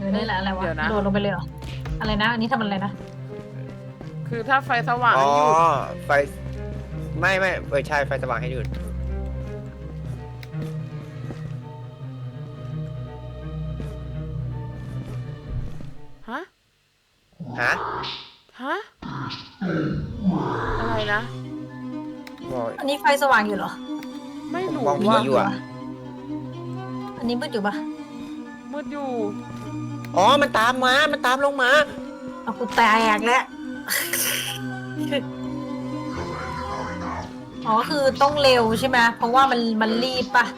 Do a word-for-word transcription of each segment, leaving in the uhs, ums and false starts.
อได้แหละอะไรวะเดี๋ยวนะโดดลงไปเลยเหรออะไรนะ อันนี้ทำอะไรนะคือถ้าไฟสว่างอ๋อให้หยุดไฟไม่ไม่เออใช่ไฟสว่างให้หยุดฮะฮะฮะ อะไรนะบอกอันนี้ไฟสว่างอยู่เหรอไม่รู้มองผีว่าอยู่อะอันนี้มืดอยู่ปะมืดอยู่อ๋อมันตามมามันตามลงมาเอากูแตกแล้ว อ๋อคือต้องเร็วใช่ไหมเพราะว่ามันมันรีบปะ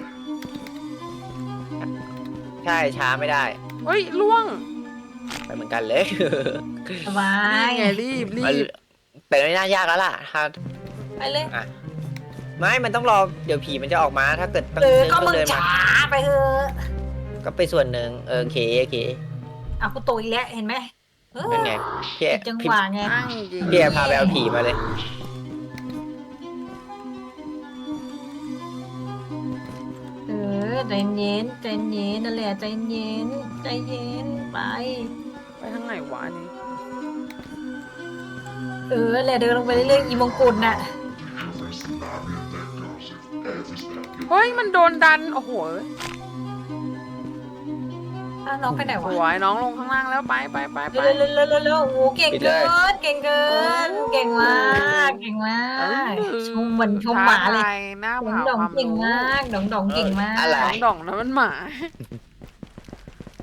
ใช่ช้าไม่ได้เฮ้ยล่วงไปเหมือนกันเลยสบานี่ยไงรีบรีมันบแต่ไม่น่ายากแล้วล่ะถ้าไปเลยอ่ะไม่มันต้องรอเดี๋ยวผีมันจะออกมาถ้าเกิดต้องเออเดินก็ต้อมึงงเดินมาช้าไปเถอะก็ไปส่วนหนึ่งเออโอเคโอเคเอากูโตอีกแล้วเห็นไหมเออเป็นไงพี่ผิดจังพี่หวะไงอ้างจริงพี่พาไปเอาผีมาเลยเออใจเย็นใจเย็นนั่นแหละใจเย็นใจเย็นไปไปทางไหนวะอันนี่เออแหละเดินลงไปเรื่อยๆอีมงกุฎน่ะเฮ้ยมันโดนดัน โอ้โหอ้าวน้องไปไหนสวะวยน้องลงข้างล่างแล้วไปไปไปไปเร็วเร็วเร็วเร็วเร็วโอ้โหเก่งเกินเก่งเกินเก่งมากเก่งมากชมเหมือนชมหมาเลยท้ทหน้าดองเผาดองความเก่งรู้มากดองดองเก่งมากอะไรน้องดองนะมันหมา